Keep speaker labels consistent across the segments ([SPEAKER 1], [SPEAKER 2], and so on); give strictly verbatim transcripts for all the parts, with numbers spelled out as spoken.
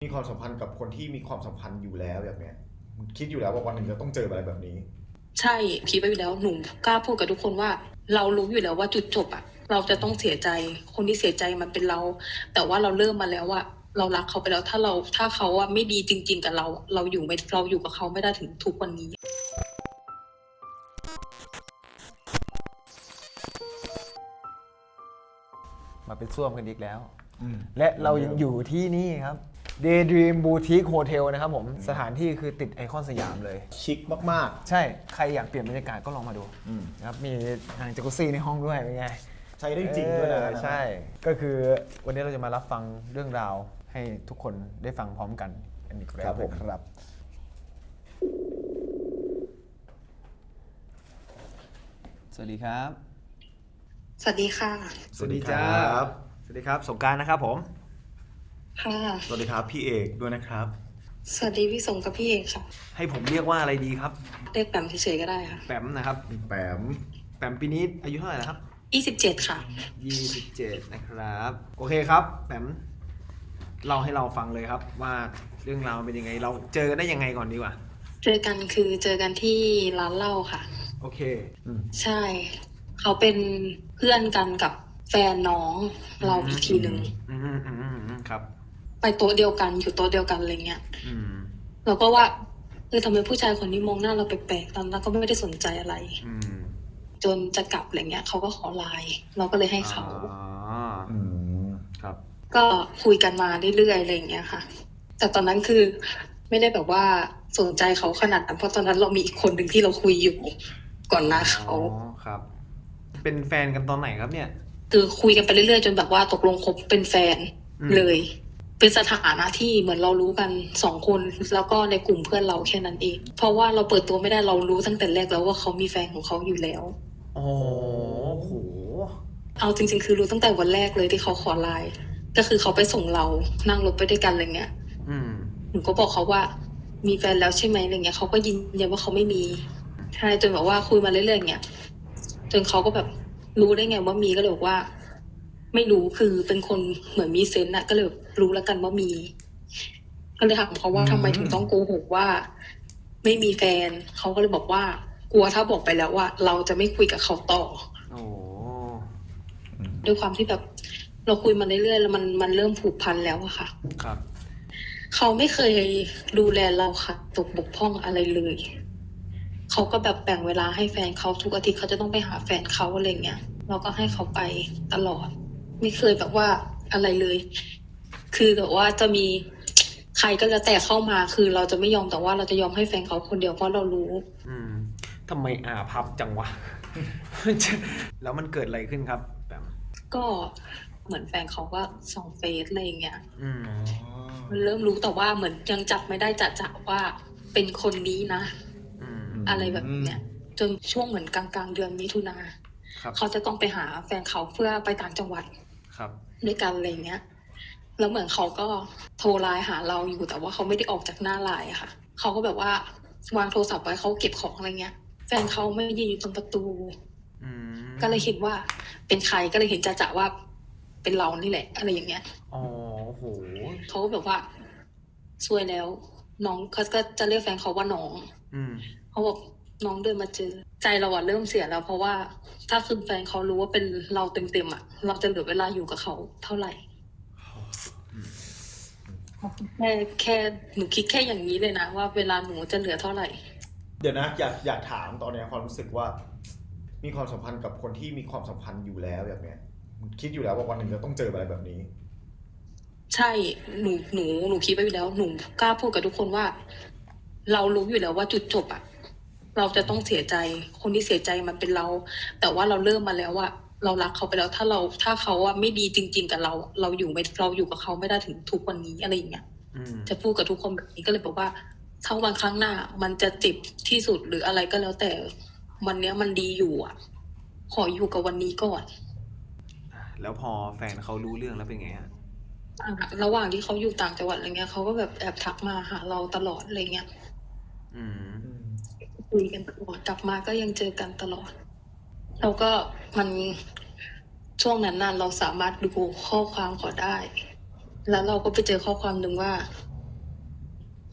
[SPEAKER 1] มีความสัมพันธ์กับคนที่มีความสัมพันธ์อยู่แล้วแบบเนี้ยคิดอยู่แล้วว่าวันหนึ่งจะต้องเจออะไรแบบนี้
[SPEAKER 2] ใช่คิดไปอยู่แล้วหนูกล้าพูดกับทุกคนว่าเรารู้อยู่แล้วว่าจุดจบอะเราจะต้องเสียใจคนที่เสียใจมันเป็นเรา แต่ว่าเราเริ่มมาแล้วว่าเรารักเขาไปแล้วถ้าเราถ้าเขาอะไม่ดีจริงๆกับเราเราอยู่ไม่เราอยู่กับเขาไม่ได้ถึงทุกวันนี้
[SPEAKER 3] มาเป็นส้วมกันอีกแล้วและเรายังอยู่ที่นี่ครับ Daydream Boutique Hotel นะครับผมสถานที่คือติดไอคอนสยามเลย
[SPEAKER 1] ชิคมาก
[SPEAKER 3] ใช่ใครอยากเปลี่ยนบรรยากาศก็ลองมาดูนะครับมีอ่างจักรุซี่ในห้องด้วยเป็นไง
[SPEAKER 1] ๆใช้ได้จริงด้วยนะ
[SPEAKER 3] ใช่ก็คือวันนี้เราจะมารับฟังเรื่องราวให้ทุกคนได้ฟังพร้อมกันอันนี้ครับผมครับสวัสดีครับ
[SPEAKER 2] สวัสดีค่ะ
[SPEAKER 3] สวัสดีจ้าสวัสดีครับสงกรานต์นะครับผม
[SPEAKER 2] ค่ะ
[SPEAKER 1] สวัสดีครับพี่เอกด้วยนะครับ
[SPEAKER 2] สวัสดีพี่สงกับพี่เอกค่ะ
[SPEAKER 3] ให้ผมเรียกว่าอะไรดีครับ
[SPEAKER 2] เรียกแปมเฉยๆก็ได้ค่ะ
[SPEAKER 3] แปมนะครับ
[SPEAKER 1] แปม
[SPEAKER 3] แปมปีนี้อายุเท่าไหร่แล้วครับ
[SPEAKER 2] ยี่สิบเจ็ดค่ะ
[SPEAKER 3] ยี่สิบเจ็ดนะครับโอเคครับแปมเล่าให้เราฟังเลยครับว่าเรื่องราวเป็นยังไงเราเจอกันได้ยังไงก่อนดีกว่า
[SPEAKER 2] เจอกันคือเจอกันที่ร้านเหล้าค่ะ
[SPEAKER 3] โอเค
[SPEAKER 2] ใช่เขาเป็นเพื่อนกันกับแฟนน้องเราอีกทีหนึ่ง
[SPEAKER 3] อืมอืมอืมครับ
[SPEAKER 2] ไปโต๊ะเดียวกันอยู่โต๊ะเดียวกันอะไรเงี้ย
[SPEAKER 3] อืม
[SPEAKER 2] เราก็ว่าเออทำไมผู้ชายคนนี้มองหน้าเราแปลกๆตอนนั้นก็ไม่ได้สนใจอะไร
[SPEAKER 3] อืม
[SPEAKER 2] จนจะกลับอะไรเงี้ยเขาก็ขอไลน์เราก็เลยให้เขา
[SPEAKER 3] อ๋ออืมครับ
[SPEAKER 2] ก็คุยกันมาเรื่อยๆอะไรเงี้ยค่ะแต่ตอนนั้นคือไม่ได้แบบว่าสนใจเขาขนาดนั้นเพราะตอนนั้นเรามีอีกคนหนึ่งที่เราคุยอยู่ก่อนหน้าเขา
[SPEAKER 3] อ๋อครับเป็นแฟนกันตอนไหนครับเนี่ย
[SPEAKER 2] คือคุยกันไปเรื่อยๆจนแบบว่าตกลงคบเป็นแฟนเลยเป็นสถานะที่เหมือนเรารู้กันสองคนแล้วก็ในกลุ่มเพื่อนเราแค่นั้นเองเพราะว่าเราเปิดตัวไม่ได้เรารู้ตั้งแต่แรกแล้วว่าเขามีแฟนของเขาอยู่แล้ว
[SPEAKER 3] โอ้โห
[SPEAKER 2] เอาจริงๆคือรู้ตั้งแต่วันแรกเลยที่เขาขอไลน์ก็คือเขาไปส่งเรานั่งรถไปด้วยกันอะไรเงี้ยหนูก็บอกเขาว่ามีแฟนแล้วใช่ไหมอะไรเงี้ยเขาก็ยืนยันว่าเขาไม่มีใช่จนแบบว่าคุยมาเรื่อยๆเงี้ยจนเขาก็แบบรู้ได้ไงว่ามีก็เลยบอกว่าไม่รู้คือเป็นคนเหมือนมีเซนส์อะก็เลยรู้แล้วกันว่ามีก็เลยถามเขาว่าทำไมถึงต้องโกหกว่าไม่มีแฟนเขาก็เลยบอกว่ากลัวถ้าบอกไปแล้วว่าเราจะไม่คุยกับเขาต่อ
[SPEAKER 3] โอ้
[SPEAKER 2] ด้วยความที่แบบเราคุยมาเรื่อยๆแล้วมันมันเริ่มผูกพันแล้วอะค่ะ
[SPEAKER 3] ครับ
[SPEAKER 2] เขาไม่เคยดูแลเราค่ะตกบกพร่องอะไรเลยเขาก็แบบแบ่งเวลาให้แฟนเขาทุกอาทิตย์เขาจะต้องไปหาแฟนเขาอะไรเงี้ยเราก็ให้เขาไปตลอดไม่เคยแบบว่าอะไรเลยคือแบบว่าจะมีใครก็แล้วแต่เข้ามาคือเราจะไม่ยอมแต่ว่าเราจะยอมให้แฟนเขาคนเดียวเพราะเรารู้
[SPEAKER 3] อืมทำไมอาพับจังวะ แล้วมันเกิดอะไรขึ้นครับแบบ
[SPEAKER 2] ก็เหมือนแฟนเขาก็ส่องเฟซอะไรอย่างเงี้ย
[SPEAKER 3] อืม
[SPEAKER 2] มันเริ่มรู้แต่ว่าเหมือนยังจับไม่ได้จะๆว่าเป็นคนนี้นะอะไรแบบเนี้ยจนช่วงเหมือนกลางๆเดือนมิถุนาเขาจะต้องไปหาแฟนเขาเพื่อไปต่างจังหวัดด้วยกันอะไรเงี้ยแล้วเหมือนเขาก็โทรไลน์หาเราอยู่แต่ว่าเขาไม่ได้ออกจากหน้าไลน์ค่ะเขาก็แบบว่าวางโทรศัพท์ไว้เขาเก็บของอะไรเงี้ยแฟนเขาไม่ยืนอยู่ตรงประตูก็เลยคิดว่าเป็นใครก็เลยเห็นจ่าๆว่าเป็นเรานี่แหละอะไรอย่างเงี้ย
[SPEAKER 3] อ๋อโห
[SPEAKER 2] เขาก็แบบว่าช่วยแล้วน้องเขาก็จะเรียกแฟนเขาว่าน้องเขาบอกน้องเดินมาเจอใจเราอะเริ่มเสียแล้วเพราะว่าถ้าคือแฟนเขารู้ว่าเป็นเราเต็มๆอะเราจะเหลือเวลาอยู่กับเขาเท่าไหร่แค่แค่หนูคิดแค่อย่างนี้เลยนะว่าเวลาหนูจะเหลือเท่าไหร่
[SPEAKER 1] เดี๋ยวนะอยากอยากถามตอนนี้ความรู้สึกว่ามีความสัมพันธ์กับคนที่มีความสัมพันธ์อยู่แล้วแบบเนี้ยคิดอยู่แล้วว่าวันหนึ่งจะต้องเจออะไรแบบนี้
[SPEAKER 2] ใช่หนูหนูหนูคิดไปอยู่แล้วหนูกล้าพูดกับทุกคนว่าเรารู้อยู่แล้วว่าจุดจบอะเราจะต้องเสียใจคนที่เสียใจมันเป็นเราแต่ว่าเราเริ่มมาแล้วว่าเรารักเขาไปแล้วถ้าเราถ้าเขาอะไม่ดีจริงๆกับเราเราอยู่ไม่เราอยู่กับเขาไม่ได้ถึงทุกวันนี้อะไรอย่างเงี้ยจะพูดกับทุกคนแบบนี้ก็เลยบอกว่าถ้าวันครั้งหน้ามันจะเจ็บที่สุดหรืออะไรก็แล้วแต่วันเนี้ยมันดีอยู่อะขออยู่กับวันนี้ก่อน
[SPEAKER 3] แล้วพอแฟนเขารู้เรื่องแล้วเป็นไงฮะ
[SPEAKER 2] ระหว่างที่เขาอยู่ต่างจังหวัดอะไรเงี้ยเขาก็แบบแอบทักมาหาเราตลอดอะไรเงี้ยคุยกันตลอดกลับมาก็ยังเจอกันตลอดแล้วก็มันช่วงนั้นน่ะเราสามารถดูข้อความเขาได้แล้วเราก็ไปเจอข้อความหนึ่งว่า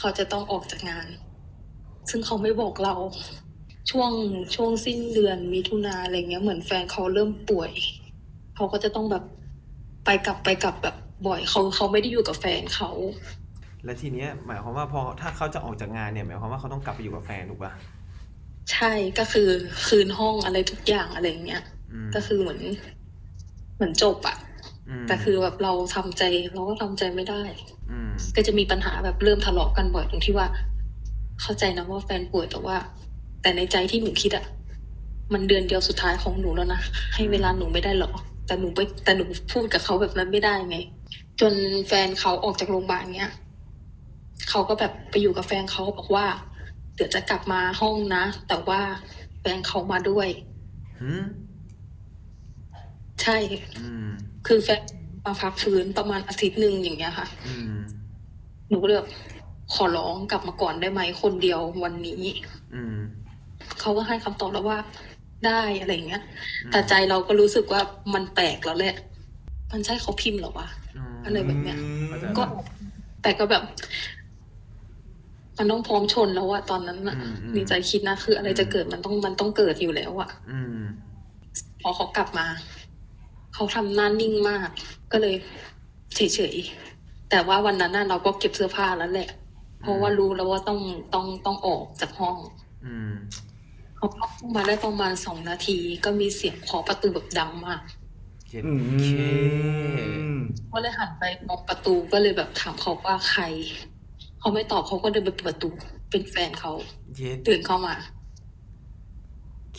[SPEAKER 2] เขาจะต้องออกจากงาน ซึ่งเขาไม่บอกเรา ช่วงช่วงสิ้นเดือนมิถุนาอะไรเงี้ยเหมือนแฟนเขาเริ่มป่วยเขาก็จะต้องแบบไปกลับไปกลับแบบบ่อยเขาเขาไม่ได้อยู่กับแฟนเขา
[SPEAKER 4] และทีเนี้ยหมายความว่าพอถ้าเขาจะออกจากงานเนี่ยหมายความว่าเขาต้องกลับไปอยู่กับแฟนถูกป่ะ
[SPEAKER 2] ใช่ก็คือคืนห้องอะไรทุกอย่างอะไรเงี้ย
[SPEAKER 4] อืม
[SPEAKER 2] ก็คือเหมือน เหมือนจบอะ
[SPEAKER 4] อืม
[SPEAKER 2] แต่คือแบบเราทำใจเราก็ทำใจไม่ได้
[SPEAKER 4] อืม
[SPEAKER 2] ก็จะมีปัญหาแบบเริ่มทะเลาะกันบ่อยตรงที่ว่า เข้าใจนะว่าแฟนป่วยแต่ว่า แต่ในใจที่หนูคิดอะมันเดือนเดียวสุดท้ายของหนูแล้วนะให้เวลาหนูไม่ได้หรอแต่หนูไปแต่หนูพูดกับเขาแบบนั้นไม่ได้ไง จนแฟนเขาออกจากโรงพยาบาลเนี้ยเขาก็แบบไปอยู่กับแฟนเขาบอกว่า เดี๋ยวจะกลับมาห้องนะ แต่ว่าแฟนเขามาด้วย
[SPEAKER 4] หืม
[SPEAKER 2] ใช่
[SPEAKER 4] อืม
[SPEAKER 2] คือแฟนมาพักฟื้นประมาณอาทิตย์หนึ่งอย่างเงี้ยค่ะ
[SPEAKER 4] อืม
[SPEAKER 2] หนูก็เลยแบบขอร้องกลับมาก่อนได้ไหมคนเดียววันนี้
[SPEAKER 4] อืม
[SPEAKER 2] เขาก็ให้คำตอบแล้วว่าได้อะไรอย่างเงี้ย แต่ใจเราก็รู้สึกว่ามันแปลกแล้วแหละ มันใช่เขาพิมพ์เหรอวะ
[SPEAKER 4] อืม
[SPEAKER 2] อะไรแบบเนี้ย
[SPEAKER 4] เข้าใจ
[SPEAKER 2] ก็ แต่ก็แบบ มันต้องพร้อมชนแล้วอะตอนนั้นอะ
[SPEAKER 4] อืมอืม
[SPEAKER 2] ในใจคิดนะคืออะไรจะเกิดมันต้องมันต้องเกิดอยู่แล้วอะ
[SPEAKER 4] อืม
[SPEAKER 2] พอเขากลับมา เขาทำหน้านิ่งมาก ก็เลยเฉยๆแต่ว่าวันนั้นน่ะเราก็เก็บเสื้อผ้าแล้วแหละ เพราะว่ารู้แล้วว่าต้องต้องต้องออกจากห้อง
[SPEAKER 4] อืม
[SPEAKER 2] เขาเข้ามาได้ประมาณสองนาที ก็มีเสียงเคาะประตูแบบดังมาก
[SPEAKER 4] เจ็ด
[SPEAKER 1] อื
[SPEAKER 4] เค
[SPEAKER 1] ม
[SPEAKER 2] ก็เลยหันไปมองประตูก็เลยแบบถามเขาว่าใคร เขาไม่ตอบเขาก็เดินไปเปิดประตู เป็นแฟนเขา
[SPEAKER 4] เจ็ด
[SPEAKER 2] เดินเข้ามา
[SPEAKER 4] เค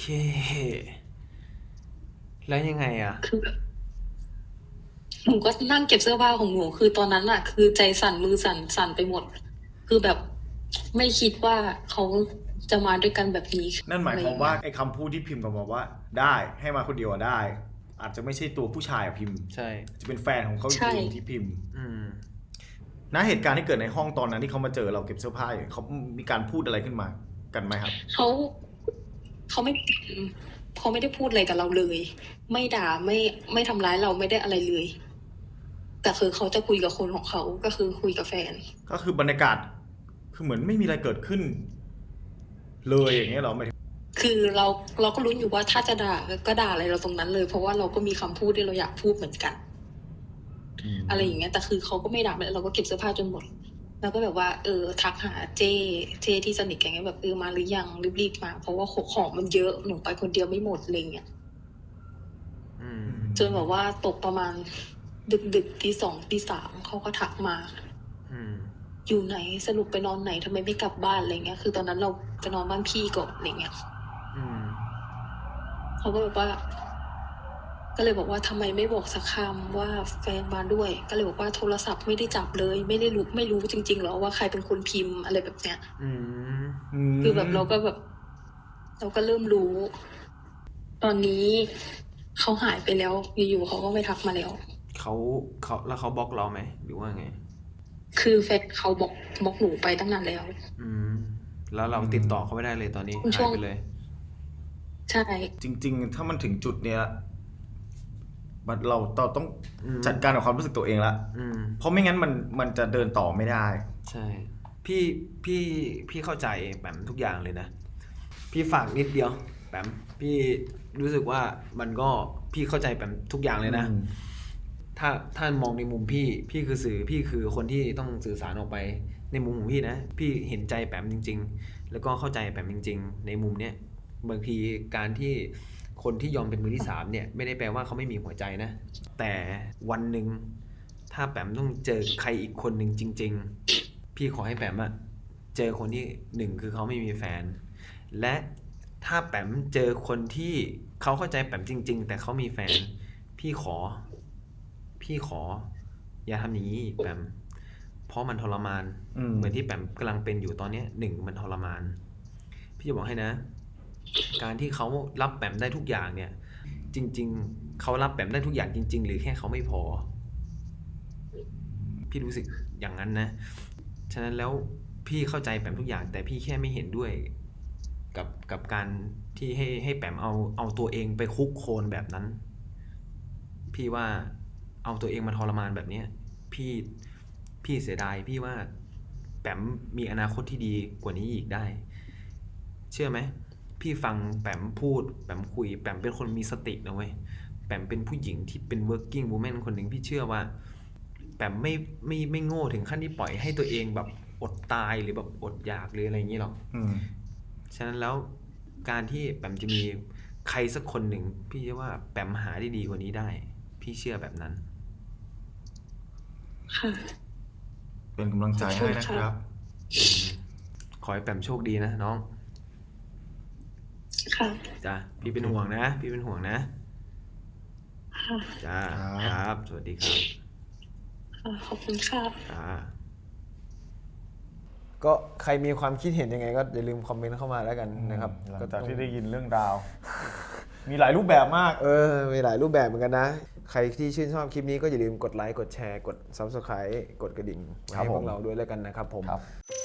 [SPEAKER 4] แล้วยังไงอ่ะ
[SPEAKER 2] คือแบบหนูก็นั่งเก็บเสื้อผ้าของหนู คือตอนนั้นอะคือใจสั่นมือสั่นสั่นไปหมด คือแบบไม่คิดว่าเขาจะมาด้วยกันแบบนี้
[SPEAKER 1] นั่นหมายความว่าไอ้คำพูดที่พิมพ์กับมาว่า ได้ให้มาคนเดียวอะได้ อาจจะไม่ใช่ตัวผู้ชายอะพิมพ์
[SPEAKER 4] ใช่
[SPEAKER 1] จะเป็นแฟนของเขาอีก
[SPEAKER 2] ใช่
[SPEAKER 1] ทีที่พิมพ์
[SPEAKER 4] อืม
[SPEAKER 1] ณเหตุการณ์ที่เกิดในห้องตอนนั้นที่เขามาเจอเราเก็บเสื้อผ้าอยู่เขามีการพูดอะไรขึ้นมากันไหมครับ
[SPEAKER 2] เขาเขาไม่เขาไม่ได้พูดอะไรกับเราเลย ไม่ด่าไม่ไม่ทำร้ายเราไม่ได้อะไรเลย แต่คือเขาจะคุยกับคนของเขาก็คือคุยกับแฟน
[SPEAKER 1] ก็คือบรรยากาศคือเหมือนไม่มีอะไรเกิดขึ้น เลยอย่างเงี้ยเหรอไม่
[SPEAKER 2] คือเราเราก็รู้อยู่ว่าถ้าจะด่าก็ด่าอะไรเราตรงนั้นเลย เพราะว่าเราก็มีคำพูดที่เราอยากพูดเหมือนกัน อะไรอย่างเงี้ยแต่คือเขาก็ไม่ด่าเลยเราก็เก็บเสื้อผ้าจนหมด แล้วก็แบบว่า เออ ทักหาเจเจที่สนิทกันเงี้ยแบบเออมาหรือยังรีบๆมา เพราะว่าของมันเยอะหนูไปคนเดียวไม่หมดอะไรเงี้ย
[SPEAKER 4] อืม
[SPEAKER 2] จนแบบว่าตกประมาณดึกดึกตีสองตีสามเขาก็ทักมา
[SPEAKER 4] อืม
[SPEAKER 2] อยู่ไหนสรุปไปนอนไหนทำไมไม่กลับบ้านอะไรเงี้ย คือตอนนั้นเราจะนอนบ้านพี่ก่อนอะไรเงี้ย
[SPEAKER 4] อืม
[SPEAKER 2] เขาก็แบบว่า ก็เลยบอกว่าทำไมไม่บอกสักคำว่าแฟนมาด้วย ก็เลยบอกว่าโทรศัพท์ไม่ได้จับเลย ไม่ได้รู้ไม่รู้จริงๆหรอว่าใครเป็นคนพิมพ์อะไรแบบเนี้ย
[SPEAKER 4] อืม
[SPEAKER 2] คือแบบเราก็แบบ เราก็เริ่มรู้ ตอนนี้เขาหายไปแล้วอยู่ๆเขาก็ไม่ทักมาแล้ว
[SPEAKER 4] เขาเขาแล้วเขาบล็อกเราไหมหรือว่าไง
[SPEAKER 2] คือแฟนเขาบอกบอกหนูไปตั้งนานแล้ว
[SPEAKER 4] อืม แล้วเราติดต่อเขาไม่ได้เลยตอนนี้
[SPEAKER 2] ช่
[SPEAKER 4] หา
[SPEAKER 2] วย ง
[SPEAKER 4] ไปเลย
[SPEAKER 2] ใช่
[SPEAKER 1] จริง ๆ ถ้ามันถึงจุดเนี้ยมันเราเราต้อง
[SPEAKER 4] อืม
[SPEAKER 1] จัดการกับความรู้สึกตัวเองละ
[SPEAKER 4] อืม
[SPEAKER 1] เพราะไม่งั้นมันมันจะเดินต่อไม่ได้
[SPEAKER 4] ใช่ พี่พี่พี่เข้าใจแปมทุกอย่างเลยนะ พี่ฝากนิดเดียวแปมพี่รู้สึกว่ามันก็พี่เข้าใจแปมทุกอย่างเลยนะ
[SPEAKER 1] อืม
[SPEAKER 4] ถ้าถ้ามองในมุมพี่พี่คือสื่อพี่คือคนที่ต้องสื่อสารออกไปในมุมของพี่นะ พี่เห็นใจแปมจริง ๆ แล้วก็เข้าใจแปมจริง ๆ ในมุมเนี้ยบางทีการที่คนที่ยอมเป็นมือที่สามเนี่ยไม่ได้แปลว่าเขาไม่มีหัวใจนะ แต่วันหนึ่งถ้าแปมต้องเจอใครอีกคนหนึ่งจริง ๆ พี่ขอให้แปมอะเจอคนที่หนึ่งคือเขาไม่มีแฟน และถ้าแปมเจอคนที่เขาเข้าใจแปมจริง ๆ แต่เขามีแฟน พี่ขอ พี่ขอ อย่าทำอย่างนี้อีกแปมเพราะมันทรมาน
[SPEAKER 1] อืม
[SPEAKER 4] เหมือนที่แปมกำลังเป็นอยู่ตอนเนี้ยหนึ่งมันทรมาน พี่จะบอกให้นะ การที่เขารับแปมได้ทุกอย่างเนี่ย จริง ๆ เขารับแปมได้ทุกอย่างจริง ๆ หรือแค่เขาไม่พอ พี่รู้สึกอย่างนั้นนะ ฉะนั้นแล้วพี่เข้าใจแปมทุกอย่าง แต่พี่แค่ไม่เห็นด้วย กับกับการที่ให้ให้แปมเอาเอาตัวเองไปคุกโคลนแบบนั้น พี่ว่าเอาตัวเองมาทรมานแบบเนี้ยพี่พี่เสียดายพี่ว่าแปมมีอนาคตที่ดีกว่านี้อีกได้เชื่อไหมพี่ฟังแปมพูดแปมคุยแปมเป็นคนมีสตินะเว้ยแปมเป็นผู้หญิงที่เป็น working woman คนหนึ่งพี่เชื่อว่าแปมไม่ไม่ไม่โง่ถึงขั้นที่ปล่อยให้ตัวเองแบบอดตายหรือแบบอดอยากหรืออะไรอย่างนี้หรอก
[SPEAKER 1] อืม
[SPEAKER 4] ฉะนั้นแล้วการที่แปมจะมีใครสักคนหนึ่งพี่เชื่อว่าแปมหาได้ดีกว่านี้ได้ พี่เชื่อแบบนั้น
[SPEAKER 2] ค่ะ
[SPEAKER 1] เป็นกำลังใจให้นะครับ
[SPEAKER 4] ขอให้แปมโชคดีนะน้อง
[SPEAKER 2] ค่ะ
[SPEAKER 4] จ้ะพี่เป็นห่วงนะ พี่เป็นห่วงนะ
[SPEAKER 2] ค่ะ
[SPEAKER 4] จ้า
[SPEAKER 1] ครับ
[SPEAKER 4] ครับ สวัสดีครับ
[SPEAKER 2] ค่ะ ขอบคุณค่ะ
[SPEAKER 4] จ้า
[SPEAKER 3] ก็ใครมีความคิดเห็นยังไงก็อย่าลืมคอมเมนต์เข้ามาแล้วกันนะครับ
[SPEAKER 1] หลัง
[SPEAKER 3] ก็
[SPEAKER 1] จาก
[SPEAKER 3] ต้อง
[SPEAKER 1] ที่ได้ยินเรื่องราว มีหลายรูปแบบมาก
[SPEAKER 3] เออมีหลายรูปแบบเหมือนกันนะ ใครที่ชื่นชอบคลิปนี้ก็อย่าลืมกดไลค์กดแชร์กด ซับสไครบ์ กดกระดิ่งไว้
[SPEAKER 1] ครับ
[SPEAKER 3] ให้พว
[SPEAKER 1] ผ
[SPEAKER 3] ก
[SPEAKER 1] ม
[SPEAKER 3] เราด้วยแล้วกันนะครับผม
[SPEAKER 1] ครับ